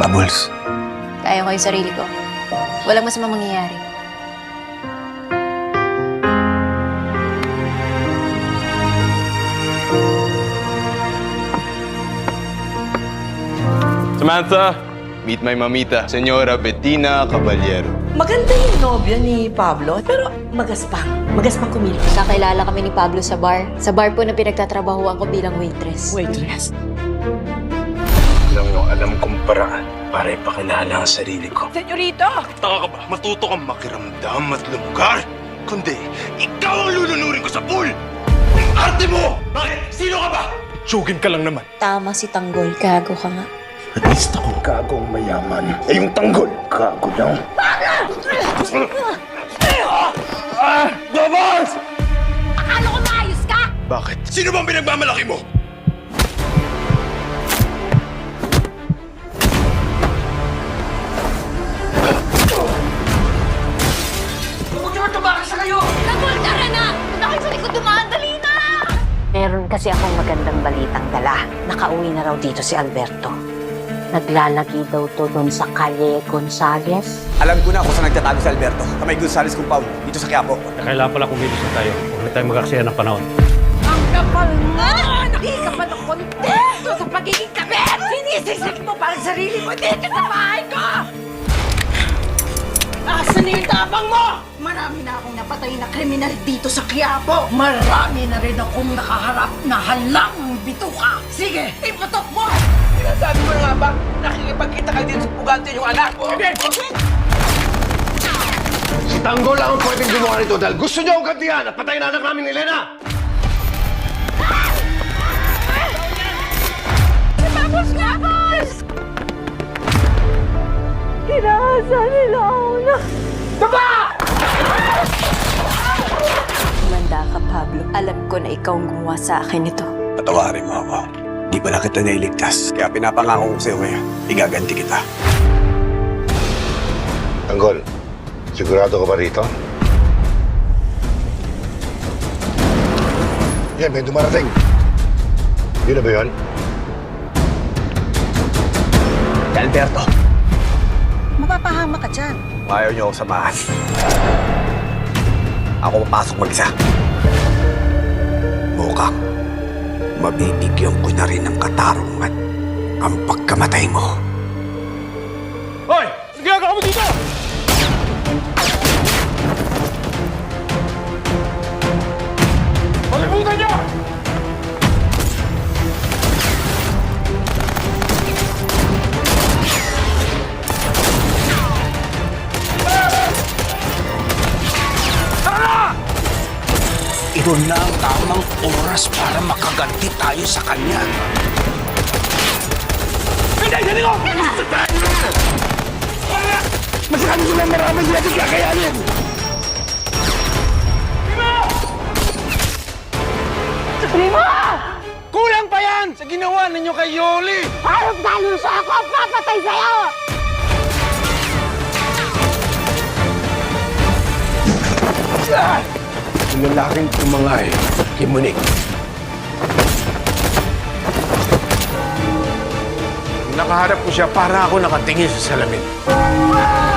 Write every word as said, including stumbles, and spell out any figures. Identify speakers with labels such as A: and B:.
A: Bubbles.
B: Kaya ko yung sarili ko. Walang masamang mangyayari.
C: Samantha, meet my mamita, Señora Bettina Caballero.
D: Maganda yung nobyo ni Pablo, pero magaspang. Magaspang kumilos.
B: Kakilala kami ni Pablo sa bar. Sa bar po na pinagtatrabahuan ko bilang waitress.
D: Waitress.
A: Alam mo, alam kong paraan para ipakilala ang sarili ko.
D: Senyorito!
C: Taka ka ba? Matuto kang makiramdam at lumugar? Kundi, ikaw ang lulunurin ko sa pool! Ang arte mo! Bakit? Sino ka ba? Tsugin ka lang naman.
B: Tama si Tanggol. Gago ka nga.
A: At least ako gagong mayaman. Eh yung tanggol, gago lang. Ah! Bubbles!
E: Akala ko maayos ka?
C: Bakit? Sino bang pinagmamalaki mo?
D: Huwag niyo tumakas sa kayo!
E: Nagol, tara na! Nakit sa likod dumaan, dali na!
F: Meron kasi akong magandang balitang dala. Nakauwi na raw dito si Alberto. Naglalagi daw to doon sa Calle Gonzales.
G: Alam ko na kung saan nagtatago si Alberto. Sa may Gonzales compound, dito sa Quiapo.
H: Kailangan pala kumilos na tayo. Huwag na tayo mag-aksaya ng panahon.
E: Ang kapal nga! Hindi ka pa ng kontento sa pagiging kabit! Sinisisik mo pa ang sarili mo dito sa bahay ko! Asan na yung tapang mo? Marami na akong napatay na kriminal dito sa Quiapo. Marami na rin akong nakaharap na halang bituka. Sige, iputok mo!
D: Sinasabi mo na nga ba, nakikipagkita ka dito sa pugante yung anak mo?
I: Si Tanggol lang ang pwedeng gumawa nito dahil gusto niya akong gantihan at patayin na anak namin ni Elena!
E: Tapos nga, boss!
B: Kumanda ka, Pablo. Alam ko na ikaw ang gumawa sa akin ito.
G: Patawarin mo ako. Di pala kita nailigtas. Kaya pinapangako ko sa'yo ngayon, igaganti kita.
I: Tanggol, sigurado ka ba rito? Yan, may dumarating. Yun na ba yun?
G: Si Alberto,
D: Mapapahama ka dyan.
G: ayaw niyo ako samahan. Ako papasok mag-isa. Mukhang mabibigyan ko na rin ng katarungan ang pagkamatay mo.
C: Hoy! Ano ginagawa mo dito? Palibutan niyo!
G: Ito na ang tamang oras para makaganti tayo sa kanya.
C: Hindi! Hindi ko!
I: Masyado silang marami sila sa kakayanin!
C: Kulang pa yan sa ginawa ninyo kay Yoli!
E: Harap daluso ako! Papatay sa'yo!
I: Yung lalaking tumangay kay Monique.
C: Nakaharap ko siya para ako nakatingin sa salamin.